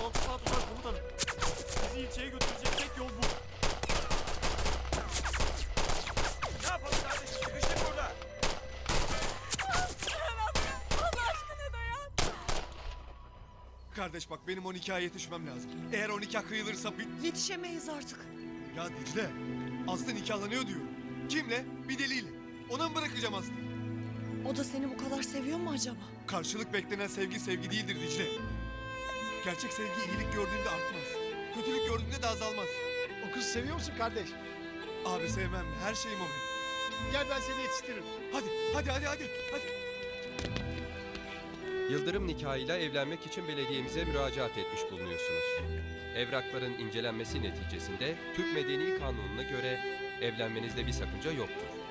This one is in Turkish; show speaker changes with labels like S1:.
S1: Tamam tutar komutanım. Bizi ilçeye götürecek tek yol bu.
S2: Ne yapalım kardeşim? Sıkıştık burada.
S3: Allah aşkına dayan.
S4: Kardeş bak benim o nikaha yetişmem lazım. Eğer o nikah kıyılırsa
S3: Yetişemeyiz artık.
S4: Ya Dicle, Aslı nikahlanıyor diyor. Kimle? Bir deliyle. Ona mı bırakacağım Aslı'yı?
S3: O da seni bu kadar seviyor mu acaba?
S4: Karşılık beklenen sevgi sevgi değildir Dicle. Gerçek sevgi iyilik gördüğünde artmaz. Kötülük gördüğünde de azalmaz.
S5: O kızı seviyor musun kardeş?
S4: Abi sevmem mi? Her şeyim o benim.
S5: Gel ben seni yetiştiririm.
S4: Hadi.
S6: Yıldırım nikahıyla evlenmek için belediyemize müracaat etmiş bulunuyorsunuz. Evrakların incelenmesi neticesinde Türk Medeni Kanunu'na göre evlenmenizde bir sakınca yoktur.